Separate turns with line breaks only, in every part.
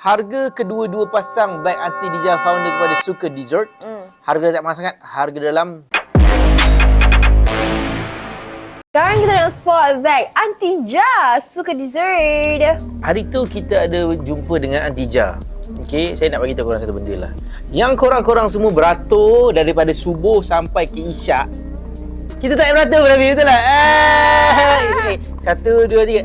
Harga kedua-dua pasang beg Aunty Dija founder kepada suka dessert. Harga tak mahal sangat. Harga dalam...
Sekarang kita nak spot bag Aunty Dija suka dessert.
Hari tu kita ada jumpa dengan Aunty Dija. Okey, saya nak bagi tahu korang satu benda lah. Yang korang-korang semua beratur daripada subuh sampai ke isyak. Kita tak payah beratur Nabi, betul tak? Satu, dua, tiga.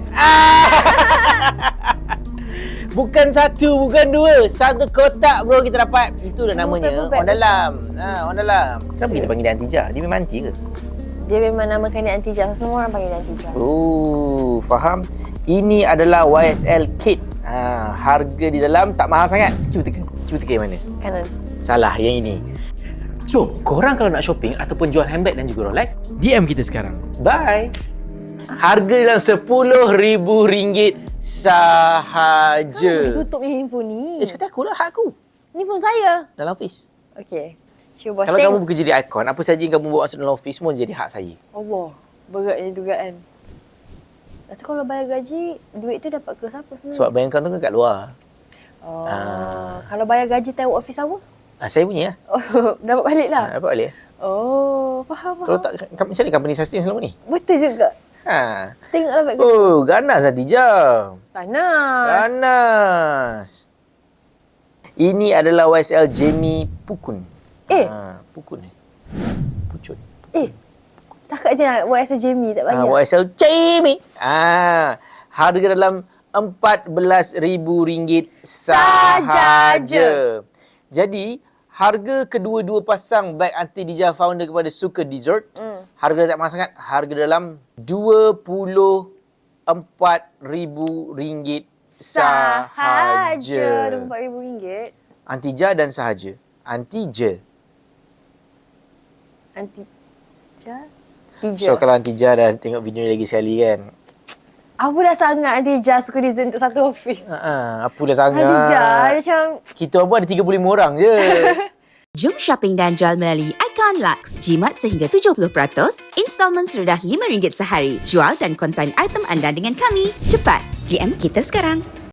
Bukan satu, bukan dua. Satu kotak bro kita dapat. Itu dah namanya orang dalam. Orang dalam. Kenapa kita panggil dia Aunty Dija? Dia memang aunty ke?
Dia memang namakan dia Aunty Dija. Semua orang panggil dia Aunty Dija.
Oh, faham. Ini adalah YSL kit. Harga di dalam tak mahal sangat. Cuba teka yang mana?
Kanan.
Salah, yang ini. So, korang kalau nak shopping ataupun jual handbag dan juga Rolex, DM kita sekarang. Bye. Harga dalam RM10,000 sahaja.
Tutup ni handphone ni.
Seperti aku lah, hak aku.
Ni phone saya.
Dalam office.
Okey. Cuba
Kalau kamu bekerja di Icon, apa saja yang kamu bawa masuk dalam office semua jadi hak saya.
Allah, beratnya dugaan. Lepas tu kalau bayar gaji, duit tu dapat ke siapa sebenarnya?
Sebab bayangkan tu kan kat luar.
Kalau bayar gaji tahu office apa?
Saya punya lah.
Oh, dapat balik lah?
Dapat balik.
Oh, faham.
Kalau tak, macam mana company sustain selama ni?
Betul juga. Tengoklah beg gaji.
Oh, ganas Aunty Dija.
Panas.
Ini adalah YSL Jamie Pukun. Pukun ni. Pucut.
Cakap je nak YSL Jamie tak bayar.
YSL Jamie. Harga dalam RM14,000 sahaja. Jadi, harga kedua-dua pasang beg Aunty Dija founder kepada suka dessert. Harga tak mahal sangat. Harga dalam RM24,000 sahaja.
RM24,000.
Aunty Dija dan sahaja. Aunty Dija.
Aunty Dija? Dija.
So kalau Aunty Dija dah tengok video ni lagi sekali kan.
Apa dah sangat Aunty Dija suka dessert untuk satu office?
Apa dah sangat.
Aunty Dija macam...
Kita orang pun ada 35 orang je.
Jom shopping dan jual melalui Icon Lux. Jimat sehingga 70%, installment serendah RM5 sehari. Jual dan konsign item anda dengan kami. Cepat, DM kita sekarang.